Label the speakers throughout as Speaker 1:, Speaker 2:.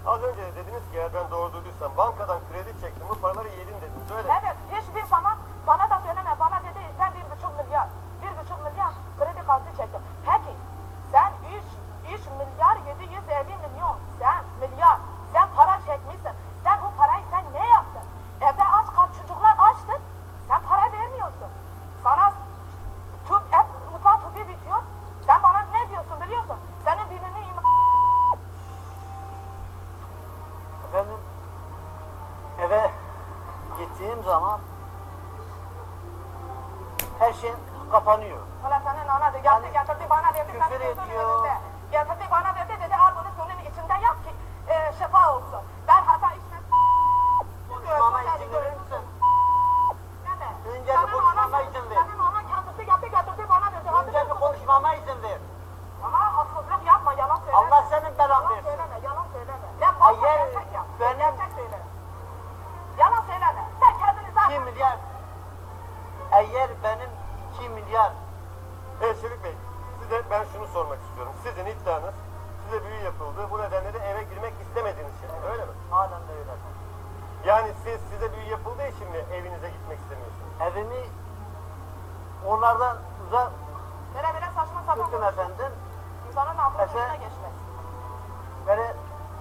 Speaker 1: Az önce de dediniz ki eğer ben doğru duyduysam bankadan kredi çektim, bu paraları yedin dediniz, öyle mi?
Speaker 2: Evet, hiçbir zaman bana da söyleme, bana dedi sen 1,5 milyar, 1,5 milyar kredi kartı çektim. Peki, sen 3 milyar 750 milyon, sen para çekmişsin. Sen bu parayı sen ne yaptın? Evde aç kal, çocuklar açtır, sen para vermiyorsun. Sana mutfak tüpü bitiyor, sen bana ne diyorsun biliyorsun? Senin birini
Speaker 3: Efendim, eve gittiğim zaman her şey kapanıyor.
Speaker 2: Ulan senin ana de yaptı getirdi bana verdi.
Speaker 3: Küfür
Speaker 2: senin gözünün
Speaker 3: ediyor.
Speaker 2: önünde. Getirdi bana verdi dedi al bunu suyun içinde yap ki şifa olsun. Ben hata içmem.
Speaker 3: Konuşmama izin verir misin? Önce bir konuşmama izin ver.
Speaker 2: Senin ana kendisi yaptı getirdi bana verdi.
Speaker 3: Önce bir konuşmama izin ver.
Speaker 2: Ama haksızlık yapma, yalan söyleme.
Speaker 3: Allah senin belanı
Speaker 2: Yalan
Speaker 3: versin.
Speaker 2: söyleme, yalan söyleme. Ben korkma,
Speaker 3: Hayır,
Speaker 2: gerçek yap.
Speaker 3: benim-
Speaker 2: Gerçek söyle. Yalan söyleme. Sen kendini zaten...
Speaker 3: 2 milyar. Eğer benim 2 milyar.
Speaker 1: Şefik Bey, size ben şunu sormak istiyorum. Sizin iddianız, size büyü yapıldı, bu nedenle de eve girmek istemediğiniz için, öyle mi?
Speaker 3: Halen de öyle.
Speaker 1: Yani size büyü yapıldığı için mi evinize gitmek istemiyorsunuz?
Speaker 3: Evimi onlardan uzak
Speaker 2: Böyle saçma sapan
Speaker 3: tuttum efendim.
Speaker 2: İnsanın aklının
Speaker 3: Efe-
Speaker 2: ucuna geçmez.
Speaker 3: Böyle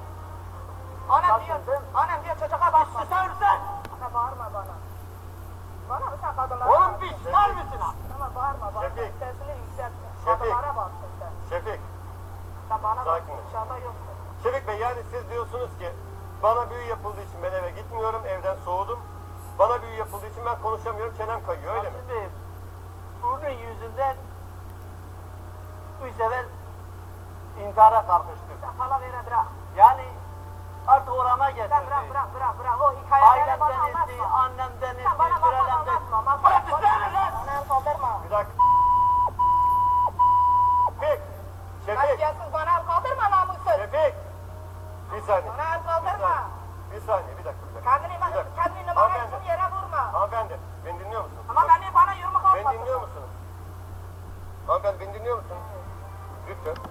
Speaker 2: Annem diyor çocuğa bakma.
Speaker 3: susar mısın?
Speaker 2: Ana bağırma bana. Bana mı sen kadınlara
Speaker 3: Oğlum
Speaker 2: bak.
Speaker 3: bir susar mısın ha?
Speaker 2: Ama bağırma bana.
Speaker 1: Şefik.
Speaker 2: Sesini yükseltme.
Speaker 1: Şefik.
Speaker 2: Kadınlara baksın sen.
Speaker 1: Şefik,
Speaker 2: Sen bana bak.
Speaker 1: Sakin ol.
Speaker 2: Dışarıda yoksun.
Speaker 1: Şefik Bey yani siz diyorsunuz ki bana büyü yapıldığı için ben eve gitmiyorum, evden soğudum. Bana büyü yapıldığı için ben konuşamıyorum, çenem kayıyor, öyle mi?
Speaker 3: Şimdi bunun yüzünden 3 sefer intihara kalkıştık.
Speaker 2: Sen palavere bırak.
Speaker 3: Yani artık orama
Speaker 2: Sen
Speaker 3: getirdi.
Speaker 2: bırak. O hikayeleri bana
Speaker 3: Ailemden etti,
Speaker 2: anlatma.
Speaker 3: annemden etti,
Speaker 2: Sen bana masal
Speaker 3: sürelemden
Speaker 2: anlatma. Masal
Speaker 3: Bırak
Speaker 2: konuşma.
Speaker 3: susana lan!
Speaker 2: Anam kaldırma.
Speaker 1: Bir dakika. Şefik, Şefik,
Speaker 2: Kasiyetsiz bana el kaldırma namussuz.
Speaker 1: Şefik. Bir saniye.
Speaker 2: Bana